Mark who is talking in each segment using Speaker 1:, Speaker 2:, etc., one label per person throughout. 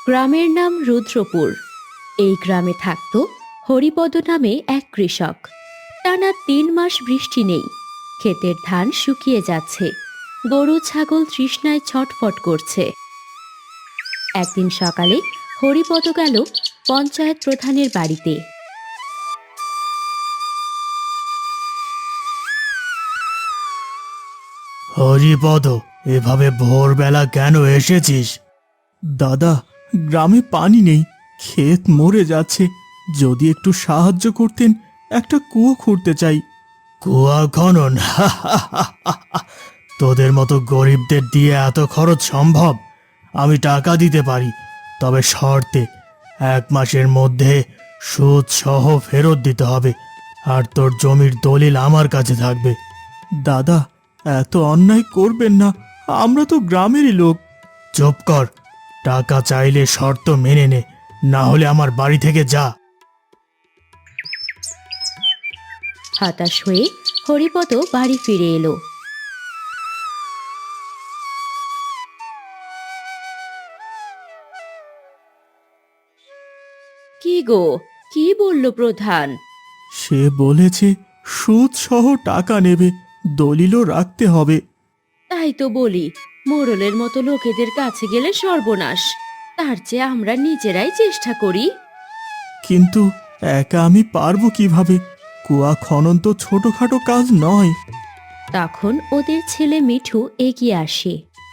Speaker 1: গ্রামের নাম রুদ্রপুর। এই গ্রামে থাকত হরিপদ নামে এক কৃষক। টানা ৩ মাস বৃষ্টি নেই, ক্ষেতের ধান শুকিয়ে যাচ্ছে, গরু ছাগল তৃষ্ণায় ছটফট করছে। একদিন সকালে হরিপদ গেল পঞ্চায়েত প্রধানের বাড়িতে।
Speaker 2: হরিপদ, এভাবে ভোরবেলা কেন এসেছিস?
Speaker 3: দাদা, গ্রামে পানি নেই, ক্ষেত মরে যাচ্ছে। যদি একটু সাহায্য করতেন, একটা কুয়ো খুঁড়তে চাই।
Speaker 2: কুয়া খনন? তোদের মতো গরিবদের দিয়ে এত খরচ সম্ভব? আমি টাকা দিতে পারি, তবে শর্তে 1 মাসের মধ্যে সুদ সহ ফেরত দিতে হবে, আর তোর জমির দলিল আমার কাছে থাকবে।
Speaker 3: দাদা, এত অন্যায় করবেন না, আমরা তো গ্রামেরই লোক।
Speaker 2: চুপ কর, টাকা চাইলে শর্ত মেনে নে, না হলে আমার বাড়ি থেকে যা।
Speaker 1: হতাশ হয়ে হরিপদ বাড়ি ফিরে এলো। কি গো, কি বলল প্রধান?
Speaker 3: সে বলেছে সুদ সহ টাকা নেবে, দলিলও রাখতে হবে।
Speaker 1: তাই তো বলি, মোড়লের মতো লোকেদের কাছে গেলে সর্বনাশ। তার চেয়ে আমরা নিজেরাই চেষ্টা করি।
Speaker 3: কিন্তু একা আমি পারবো কিভাবে? কুয়া খনন তো ছোটখাটো কাজ নয়।
Speaker 1: তখন ওদের ছেলে মিঠু এগিয়ে আসে।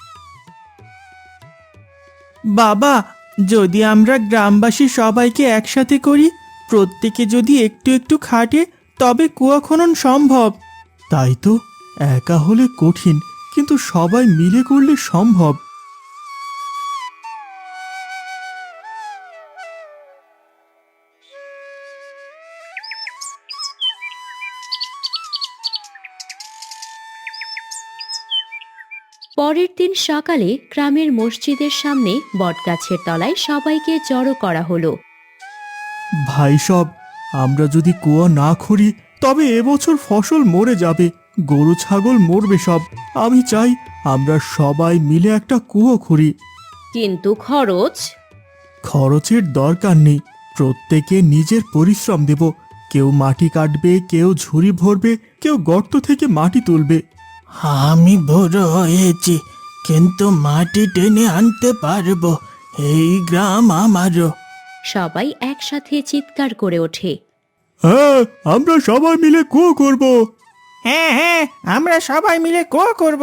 Speaker 3: বাবা, যদি আমরা গ্রামবাসী সবাইকে একসাথে করি, প্রত্যেকে যদি একটু একটু খাটে, তবে কুয়া খনন সম্ভব। তাই তো, একা হলে কঠিন, কিন্তু সবাই মিলে করলে সম্ভব।
Speaker 1: পরের দিন সকালে গ্রামের মসজিদের সামনে বটগাছের তলায় সবাইকে জড়ো করা হলো।
Speaker 3: ভাই সব, আমরা যদি কুয়া না খুঁড়ি, তবে এবছর ফসল মরে যাবে, গরু ছাগল মরবে সব। আমি চাই আমরা সবাই মিলে একটা কুয়ো খুঁড়ি।
Speaker 1: কিন্তু খরচ?
Speaker 3: খরচের দরকার নেই, প্রত্যেকে নিজের পরিশ্রম দেব। কেউ মাটি কাটবে, কেউ ঝুড়ি ভরবে, কেউ গর্ত থেকে মাটি তুলবে।
Speaker 2: আমি বড় হয়েছি, কিন্তু মাটি টেনে আনতে পারবো। এই গ্রাম আমারও।
Speaker 1: সবাই একসাথে চিৎকার করে ওঠে।
Speaker 3: হ্যাঁ, আমরা সবাই মিলে কুয়ো করব।
Speaker 4: হ্যাঁ হ্যাঁ, আমরা সবাই মিলে কুয়ো করব।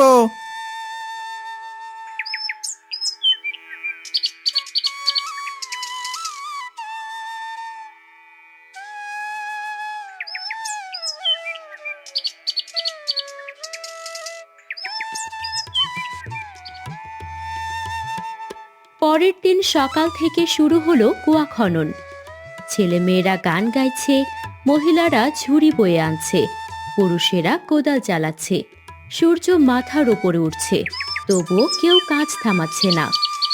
Speaker 1: পরের দিন সকাল থেকে শুরু হলো কুয়া খনন। ছেলেমেয়েরা গান গাইছে, মহিলারা ঝুড়ি বয়ে আনছে, পুরুষেরা কোদাল চালাচ্ছে। সূর্য মাথার উপরে উঠছে, তবুও কেউ কাজ থামাচ্ছে না।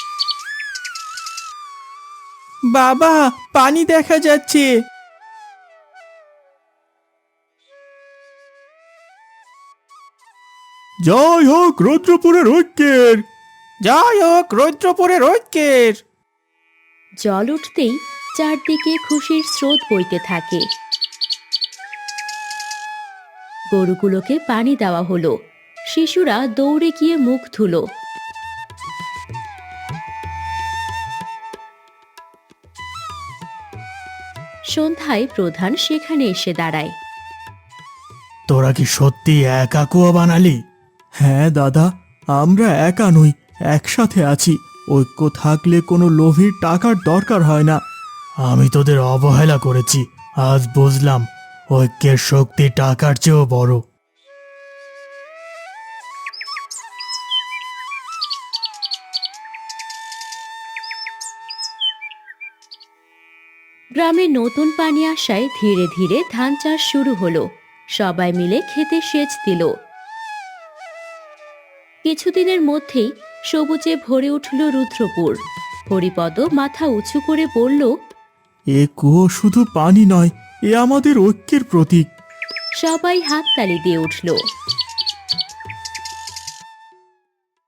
Speaker 3: বাবা, পানি দেখা যাচ্ছে। জয় হোক রুদ্রপুরের ঐক্যের।
Speaker 4: জয় হোক রৌদ্রপুরের ঐক্যের।
Speaker 1: জল উঠতেই চারদিকে খুশির স্রোত বইতে থাকে। গরুগুলোকে পানি দেওয়া হলো, শিশুরা দৌড়ে গিয়ে মুখ ধুলো। সন্ধ্যায় প্রধান সেখানে এসে দাঁড়ায়।
Speaker 2: তোরা কি সত্যি একা কুয়া বানালি?
Speaker 3: হ্যাঁ দাদা, আমরা একা নই, একসাথে আছি। ঐক্য থাকলে কোনো লোভীর টাকার দরকার হয় না।
Speaker 2: আমি তোদের অবহেলা করেছি, আজ বুঝলাম ঐক্যের শক্তি টাকার চেয়েও বড়।
Speaker 1: গ্রামে নতুন পানি আসায় ধীরে ধীরে ধান চাষ শুরু হলো। সবাই মিলে খেতে সেচ দিল। কিছুদিনের মধ্যেই সবুজে ভরে উঠল রুদ্রপুর। হরিপদ মাথা উঁচু করে বলল,
Speaker 3: এ কুয়ো শুধু পানি নয়, এ আমাদের ঐক্যের প্রতীক।
Speaker 1: সবাই হাততালি দিয়ে উঠল।